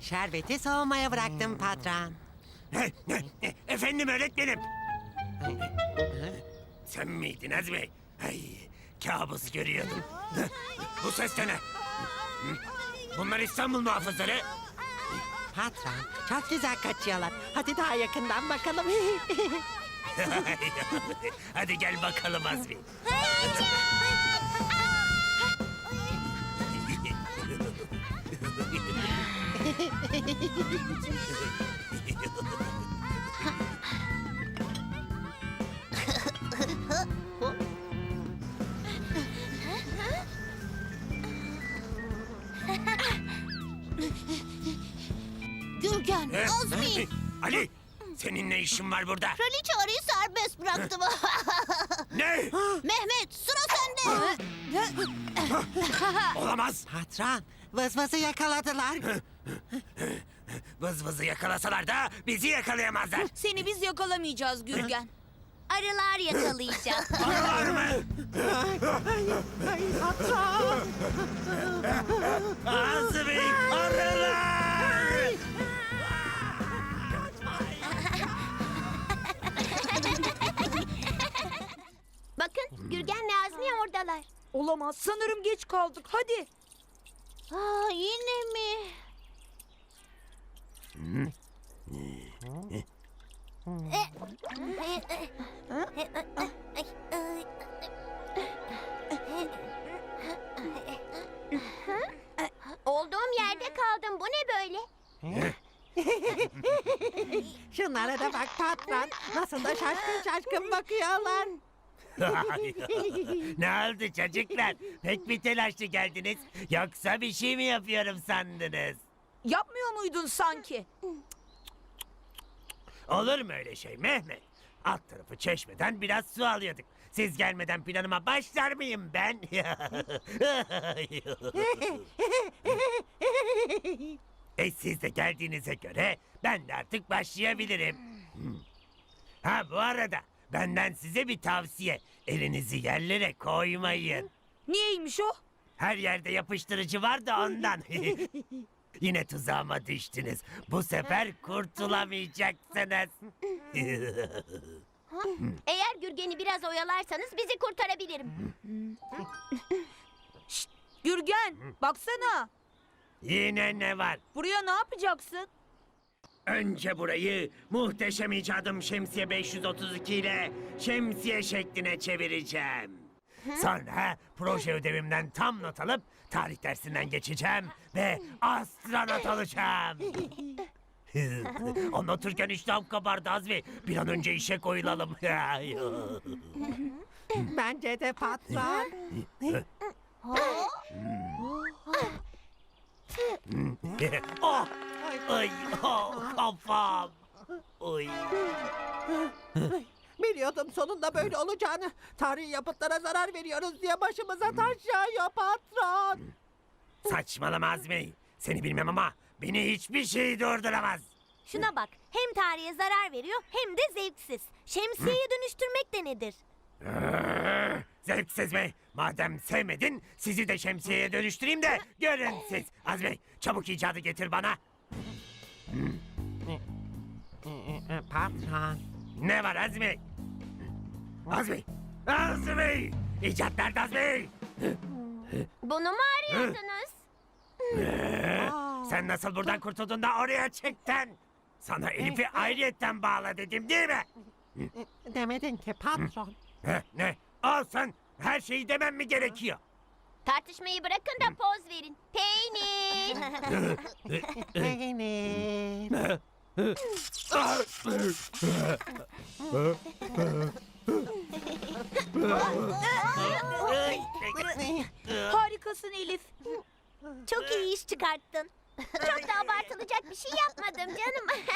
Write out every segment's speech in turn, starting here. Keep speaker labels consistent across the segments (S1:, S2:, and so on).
S1: Şerbeti soğumaya bıraktım patron.
S2: Efendim öğretmenim. Sen miydin Azmi? Ay, kabus görüyordum. Bu ses de ne? Bunlar İstanbul muhafızları.
S1: Patron, çok güzel kaçıyorlar. Hadi daha yakından bakalım.
S2: Hadi gel bakalım Azmi.
S3: Gürgen, Azmi.
S2: Ali, senin ne işin var burada?
S3: Kraliçe arıyı serbest bıraktım.
S2: Ne?
S3: Mehmet, sıra sende.
S2: Olamaz.
S1: Patron, vızvızı yakaladılar.
S2: Vız vızı yakalasalar da bizi yakalayamazlar.
S4: Seni biz yakalamayacağız Gürgen.
S3: Arılar yakalayacak.
S2: Arılar mı?
S1: Ay patron.
S2: Azmi, arılar!
S3: Bakın, Gürgen'le Azmi oradalar.
S4: Olamaz. Sanırım geç kaldık. Hadi.
S3: Aa, yine mi? Olduğum yerde kaldım. Bu ne böyle?
S1: Şunlara da bak patron. Nasıl da şaşkın şaşkın bakıyorlar.
S2: Ne oldu çocuklar? Pek bir telaşlı geldiniz. Yoksa bir şey mi yapıyorum sandınız?
S4: Yapmıyor muydun sanki?
S2: Olur mu öyle şey Mehmet? Alt tarafı çeşmeden biraz su alıyorduk. Siz gelmeden planıma başlar mıyım ben? Siz de geldiğinize göre ben de artık başlayabilirim. Ha bu arada benden size bir tavsiye. Elinizi yerlere koymayın.
S4: Niyeymiş o?
S2: Her yerde yapıştırıcı var da ondan. Yine tuzağıma düştünüz. Bu sefer kurtulamayacaksınız.
S3: Eğer Gürgen'i biraz oyalarsanız bizi kurtarabilirim.
S4: Gürgen, baksana.
S2: Yine ne var?
S4: Buraya ne yapacaksın?
S2: Önce burayı muhteşem icadım Şemsiye 532 ile şemsiye şekline çevireceğim. Sonra proje ödevimden tam not alıp tarih dersinden geçeceğim ve astronot olacağım. Anlatırken iştahım kabardı Azmi. Bir an önce işe koyulalım.
S1: Bence de patron.
S2: Oh! Ay, oh, kafam. Oy.
S1: Biliyordum sonunda böyle olacağını. Tarihi yapıtlara zarar veriyoruz diye başımıza taş yağıyor patron.
S2: Saçmalama Azmi. Seni bilmem ama beni hiçbir şey durduramaz.
S3: Şuna bak, hem tarihe zarar veriyor hem de zevksiz. Şemsiyeyi dönüştürmek de nedir?
S2: Zevksiz mi? Madem sevmedin sizi de şemsiyeye dönüştüreyim de görün siz. Azmi çabuk icadı getir bana.
S1: Patron.
S2: Ne var Azmi? Azmi! Azmi! İcat nerede Azmi?
S3: Bunu mu arıyordunuz?
S2: Sen nasıl buradan kurtuldun da oraya çıktın? Sana Elif'i ayrıyetten bağla dedim değil mi?
S1: Demedin ki patron.
S2: Ne? Olsun. Her şeyi demem mi gerekiyor?
S3: Tartışmayı bırakın da poz verin. Peynir.
S1: Peynir.
S4: Harikasın Elif.
S3: Çok iyi iş çıkarttın. Çok da abartılacak bir şey yapmadım canım.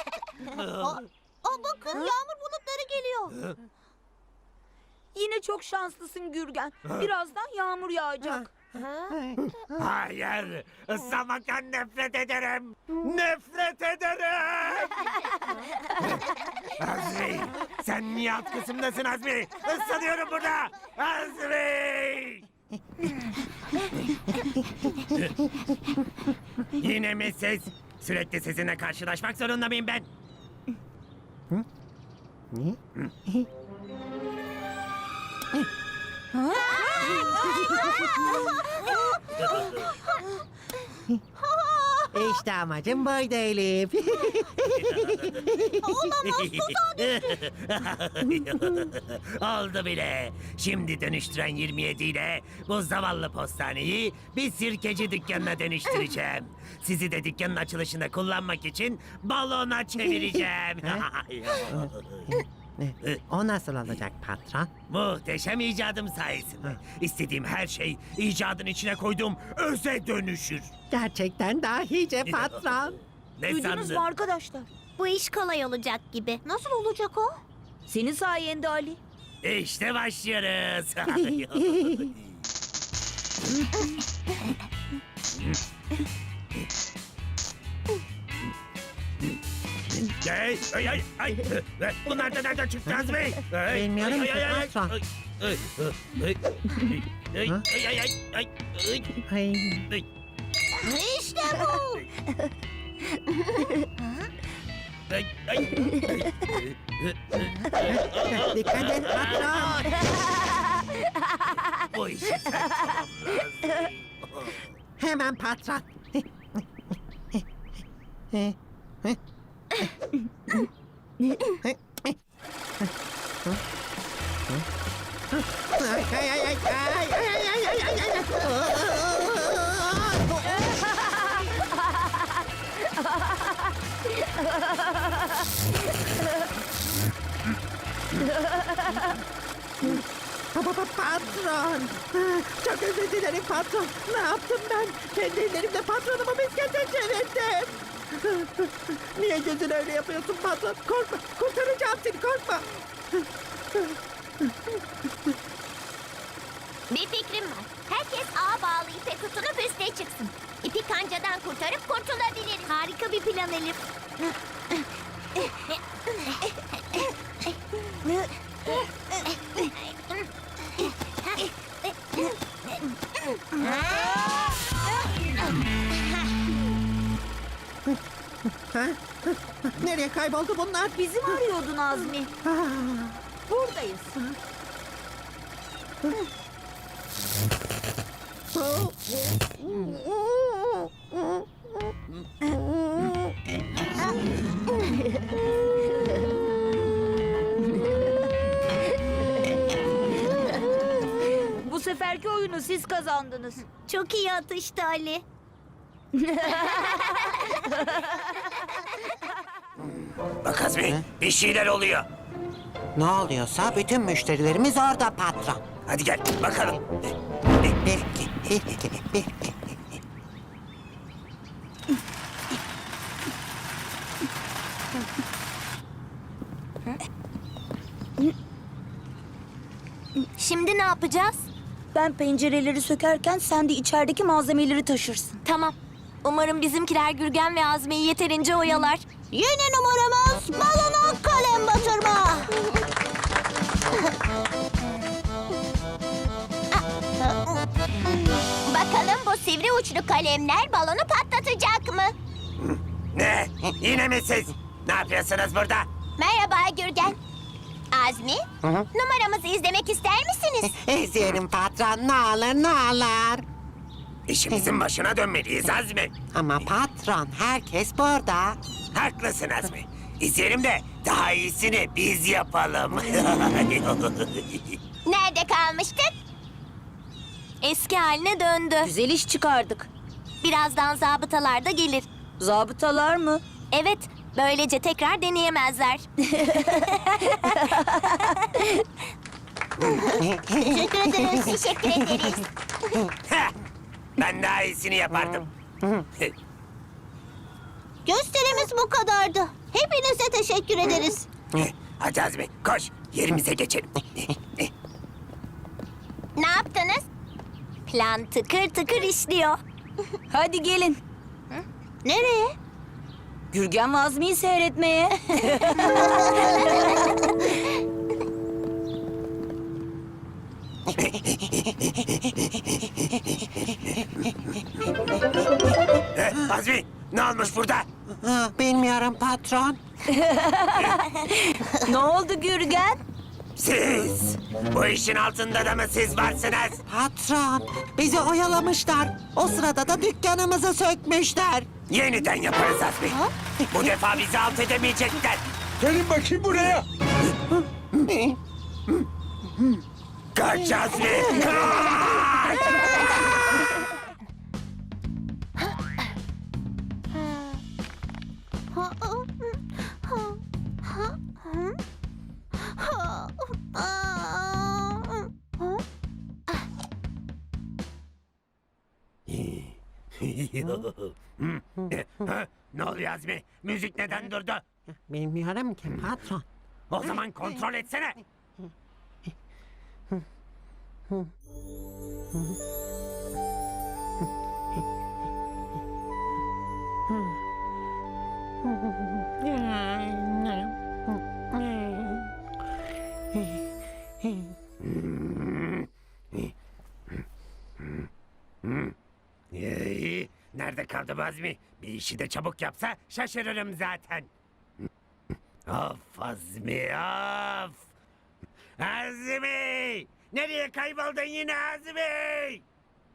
S3: Bakın yağmur bulutları geliyor.
S4: Yine çok şanslısın Gürgen. Birazdan yağmur yağacak.
S2: Hayır. Islamaktan nefret ederim. Nefret ederim. Azmi. Sen niye alt kısımdasın Azmi? Islanıyorum burada. Azmi. Yine mi siz? Sürekli sizinle karşılaşmak zorunda mıyım ben?
S1: İşte amacım buydu Elif.
S2: Oldu bile. Şimdi dönüştüren 27 ile bu zavallı postaneyi bir sirkeci dükkanına dönüştüreceğim. Sizi de dükkanın açılışında kullanmak için balona çevireceğim.
S1: O nasıl olacak patron?
S2: Muhteşem icadım sayesinde. İstediğim her şey icadın içine koyduğum öze dönüşür.
S1: Gerçekten dahice patron.
S2: Ne
S4: Duydunuz mu
S2: sandın?
S4: arkadaşlar?
S3: Bu iş kolay olacak gibi.
S4: Nasıl olacak o? Senin sayende Ali.
S2: İşte başlıyoruz. Ay. Bunlar da nereden çıktı Azmi?
S1: Bilmiyorum ki, patron. Ay.
S3: İşte bu.
S1: Dikkat et patron.
S2: Bu işi sen tamamlarsın.
S1: Hemen patron. Patron. Çok özür dilerim patron. Ne yaptım ben? Kendi ellerimle patronumu miskete çevirdim. Niye gözünü öyle yapıyorsun patron? Korkma. Kurtaracağım seni, korkma.
S3: Bir fikrim var. Herkes ağa bağlı ipe tutunup üste çıksın. İpi kancadan kurtarıp kurtulabiliriz. Harika bir plan Elif.
S1: Nereye kayboldu bunlar?
S4: Bizi mi arıyordun Azmi? Buradayız. Bu seferki oyunu siz kazandınız.
S3: Çok iyi atıştı Ali.
S2: Bak Azmi, bir şeyler oluyor.
S1: Ne oluyorsa bütün müşterilerimiz orada patron.
S2: Hadi gel bakalım.
S3: Şimdi ne yapacağız?
S4: Ben pencereleri sökerken sen de içerideki malzemeleri taşırsın.
S3: Tamam. Umarım bizimkiler Gürgen ve Azmi'yi yeterince oyalar. Yeni numaramız balona kalem batırma. Bakalım bu sivri uçlu kalemler balonu patlatacak mı?
S2: Ne? Yine mi siz? Ne yapıyorsunuz burada?
S3: Merhaba Gürgen. Azmi, numaramızı izlemek ister misiniz?
S1: İzleyelim patron, ne olur ne olur.
S2: İşimizin başına dönmeliyiz Azmi.
S1: Ama patron, herkes burada.
S2: Haklısın Azmi. İzleyelim de daha iyisini biz yapalım.
S3: Nerede kalmıştık? Eski haline döndü.
S4: Güzel iş çıkardık.
S3: Birazdan zabıtalar da gelir.
S4: Zabıtalar mı?
S3: Evet, böylece tekrar deneyemezler. Teşekkür ederiz. Teşekkür ederiz.
S2: Heh, ben daha iyisini yapardım.
S3: Gösterimiz bu kadardı. Hepinize teşekkür ederiz.
S2: Hadi Azmi koş yerimize geçelim.
S3: Ne yaptınız? Plan tıkır tıkır işliyor.
S4: Hadi gelin.
S3: Nereye?
S4: Gürgen ve Azmi'yi seyretmeye.
S2: Azmi Ne olmuş burada?
S1: Bilmiyorum patron.
S4: Ne oldu Gürgen?
S2: Siz! Bu işin altında da mı siz varsınız?
S1: Patron, bizi oyalamışlar. O sırada da dükkanımızı sökmüşler.
S2: Yeniden yaparız Azmi. Bu defa bizi alt edemeyecekler.
S5: Gelin bakayım buraya.
S2: Kaç Azmi! Kaç! Ne oluyor Azmi? Müzik neden durdu?
S1: Bilmiyorum ki patron.
S2: O zaman kontrol etsene. Nerede kaldı bu Azmi? Bir işi de çabuk yapsa şaşırırım zaten. Of Azmi of! Azmi! Nereye kayboldun yine Azmi?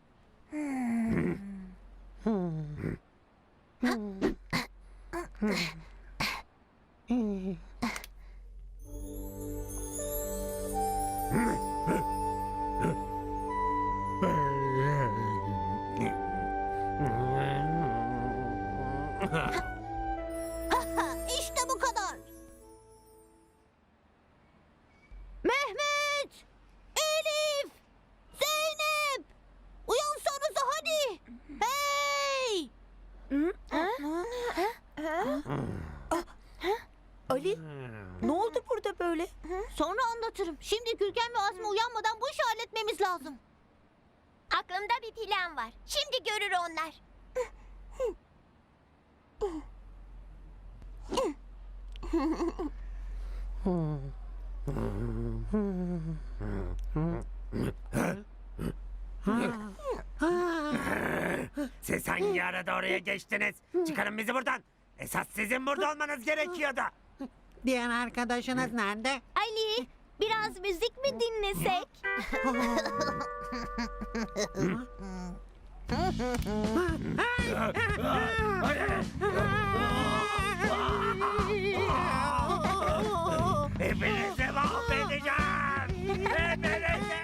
S3: İşte bu kadar. Mehmet! Elif! Zeynep! Uyansanıza hadi! Hey!
S4: Ali, ne oldu burada böyle?
S3: Sonra anlatırım. Şimdi Gürgen ve Azmi uyanmadan bu işi halletmemiz lazım. Aklımda bir plan var. Şimdi görür onlar.
S2: Siz hangi arada oraya geçtiniz? Çıkarın bizi buradan. Esas sizin burada olmanız gerekiyordu.
S1: Diğer arkadaşınız nerede?
S3: Ali, biraz müzik mi dinlesek?
S2: Hepinizi mahvedeceğim. Hepinizi.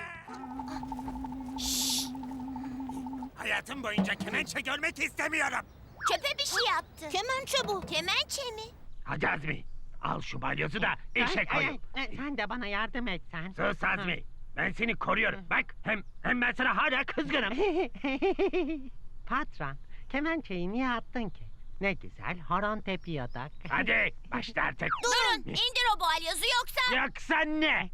S2: Hayatım boyunca kemençe görmek istemiyorum.
S3: Çöpe bir şey yaptı. Kemençe bu. Kemençe mi?
S2: Hadi Azmi, al şu balyozu da işe koyun.
S1: Sen de bana yardım et sen.
S2: Sus Azmi, ben seni koruyorum. Bak hem ben sana hala kızgınım.
S6: Patron, kemençeyi niye attın ki? Ne güzel horon tepiyorduk.
S2: Hadi başla artık.
S3: Durun, indir o balyozu yoksa...
S2: Yoksa ne?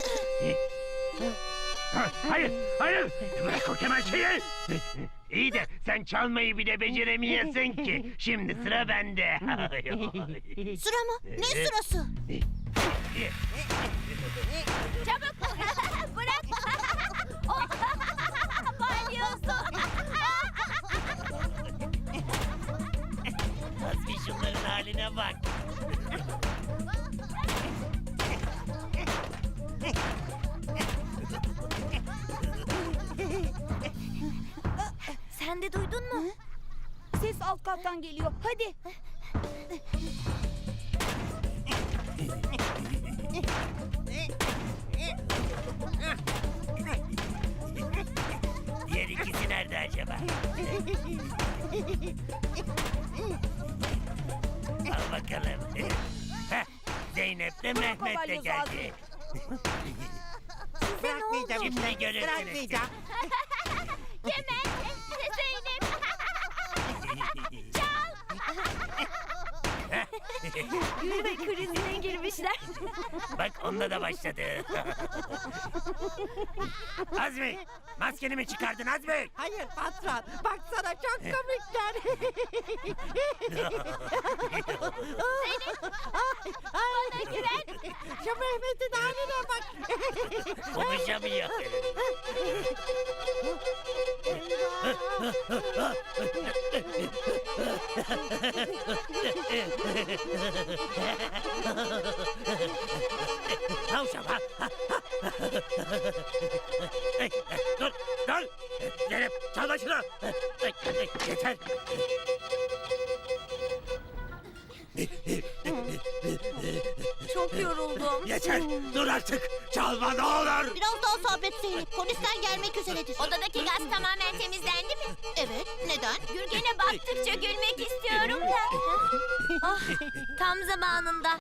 S2: Hayır, hayır. Bırak o kemençeyi. İyi de sen çalmayı bile beceremiyorsun ki. Şimdi sıra bende.
S3: Sıra mı? Ne sırası? Çabuk! Bırak! Balyozu!
S2: Azmi şunların haline bak.
S3: Sen de duydun mu?
S4: Ses alt kattan geliyor. Hadi.
S2: Diğer ikisi nerede acaba? Al bakalım. Heh, Zeynep de Mehmet de geldi.
S1: Bırakmayacağım.
S2: Şimdi görürsünüz.
S1: Bırakmayacağım.
S3: Kemal! Zeynep!
S4: Gülme krizine girmişler.
S2: Bak onda da başladı. Azmi, maskeni mi çıkardın Azmi?
S1: Hayır patron. Baksana çok komikler.
S3: Bana güven!
S1: Şu Mehmet'in haline bak.
S2: Konuşamıyor. Tavşan ha. Dur, dur. Gelip çalma şunu. Yeter.
S3: Çok yoruldum.
S2: Yeter. Dur artık. Çalma ne olur.
S3: Biraz daha sabret Zeynep. Polisler gelmek üzeredir. Odadaki gaz tamamen temizlendi mi? Evet. Neden? Gürgen'e baktıkça gülmek istiyorum da. Ah, tam zamanında.